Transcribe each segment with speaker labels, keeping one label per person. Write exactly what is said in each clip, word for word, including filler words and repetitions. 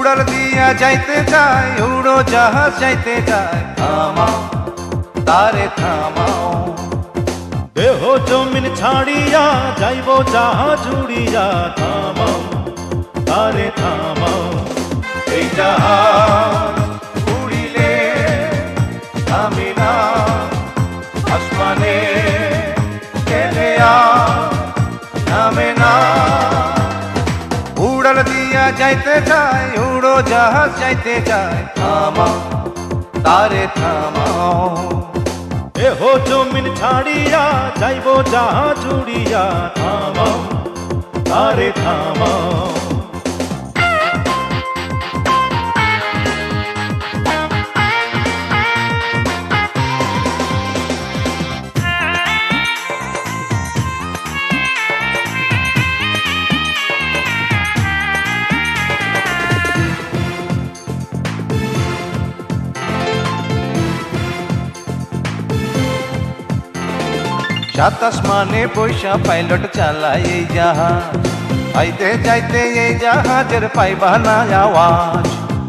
Speaker 1: উড়াল দিয়া যাইতে চায় উড়ো জাহাজ যাইতে চায় থামাও তারে থামাও
Speaker 2: দেহ জমিন ছাড়িয়া যাইব জাহাজ উড়িয়া থামাও তারে থামাও
Speaker 1: এই জাহাজ উড়িলে থামে না আসমানে গেলে আর নামে না উড়াল দিয়া যাইতে চায় উড়ো জাহাজ যাইতে চায় থামাও তারে থামাও
Speaker 2: দেহ জমিন ছাড়িয়া যাইব জাহাজ উড়িয়া থামাও তারে থামাও
Speaker 1: সাত আসমানে বৈশা পাইলট চালায় এই জাহাজ আইতে যাইতে এই জাহাজের পাইবা না আওয়াজ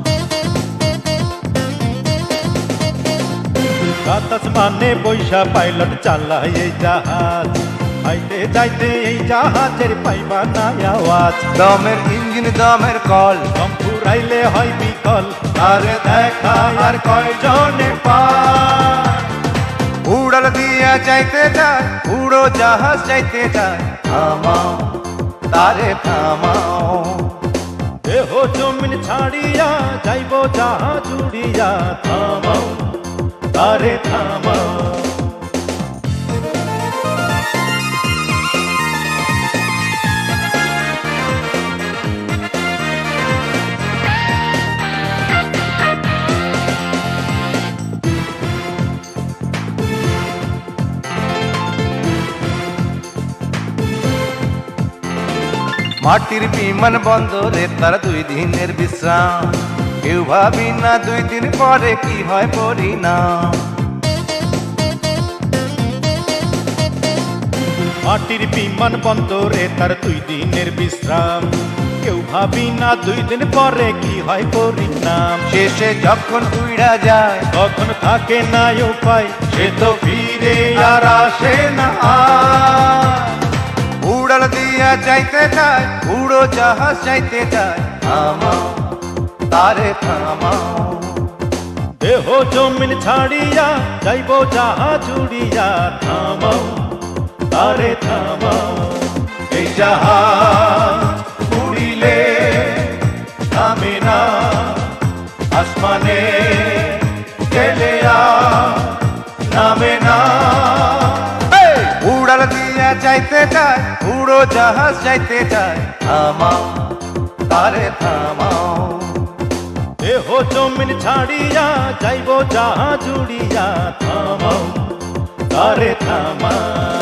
Speaker 2: সাত আসমানে বৈশা পাইলট চালায় এই জাহাজ আইতে যাইতে এই জাহাজের পাইবা না আওয়াজ
Speaker 1: দমের ইঞ্জিন দমের কল
Speaker 2: দম ফুরাইলে হয় বিকল
Speaker 1: আরে দেখা আর কয়জনে পায় উড়াল দিয়া যাইতে চায় উড়ো জাহাজ যাইতে চায় থামাও তারে থামাও
Speaker 2: দেহ জমিন ছাড়িয়া যাইব জাহাজ উড়িয়া থামাও তারে থামাও
Speaker 1: মাটির বিমান বন্দরে তার দুই দিনের বিশ্রাম কেউ ভাবি না দুই দিন পরে কি হয় পরিণাম
Speaker 2: মাটির বিমান বন্দরে তার দুই দিনের বিশ্রাম কেউ ভাবি না দুই দিন পরে কি হয় পরিণাম
Speaker 1: শেষে যখন উড়া যায়
Speaker 2: তখন থাকে না উপায়
Speaker 1: সে তো ফিরে আর আসে না আর। উড়াল দিয়া যাইতে চায় উড়ো জাহাজ যাইতে চায় থামাও তারে থামাও
Speaker 2: দেহ জমিন ছাড়িয়া যাইব জাহাজ উড়িয়া থামাও তারে থামাও
Speaker 1: এই জাহাজ উড়িলে থামে না আসমানে গেলে আর নামে না উড়াল দিয়া যাইতে চায় উড়ো জাহাজ যাইতে চায় থামাও তারে থামাও
Speaker 2: দেহ জমিন ছাড়িয়া যাইব জাহাজ উড়িয়া থামাও তারে থামাও।